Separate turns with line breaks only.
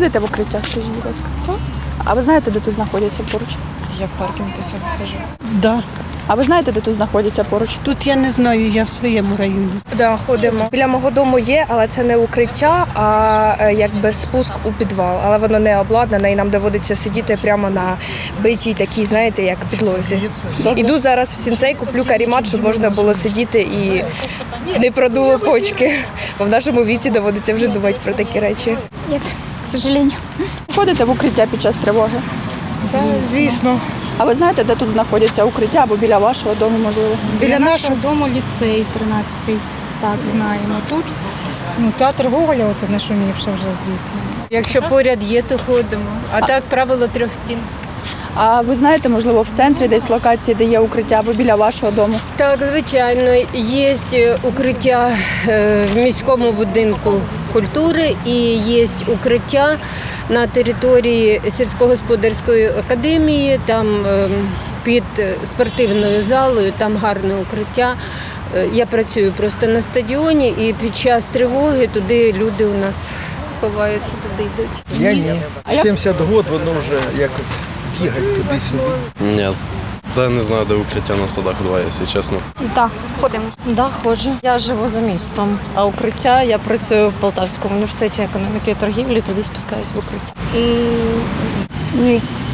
Ходите в укриття, скажіть, будь ласка? А ви знаєте, де тут знаходяться поруч?
Я в паркінг до себе хожу.
Да.
А ви знаєте, де тут знаходяться поруч?
Тут я не знаю, я в своєму районі.
Да, ходимо. Біля мого дому є, але це не укриття, а якби спуск у підвал. Але воно не обладнане і нам доводиться сидіти прямо на битій такій, знаєте, як підлозі. Іду зараз в сінцей, куплю карімат, щоб можна було сидіти і не продуло почки. Бо в нашому віці доводиться вже думати про такі речі.
Нет, к сожалению.
Ходите в укриття під час тривоги?
Звісно.
А ви знаєте, де тут знаходяться укриття або біля вашого дому, можливо?
Біля нашого
дому ліцей 13-й. Так, знаємо. Тут
Театр Гоголя, оце нашумівши вже, звісно.
Якщо поряд є, то ходимо. А так правило 3 стін.
А ви знаєте, можливо, в центрі десь локації, де є укриття або біля вашого дому?
Так, звичайно, є укриття в міському будинку культури і є укриття на території сільськогосподарської академії, там під спортивною залою, там гарне укриття. Я працюю просто на стадіоні і під час тривоги туди люди у нас ховаються, туди йдуть.
Я ні. 70 років, воно вже якось бігать туди-сюди.
Ні. Та не знаю, де укриття на садах 2, якщо чесно.
так, ходимо.
Да, ходжу. Я живу за містом, а укриття я працюю в Полтавському університеті економіки і торгівлі, туди спускаюсь в укриття.
Ні.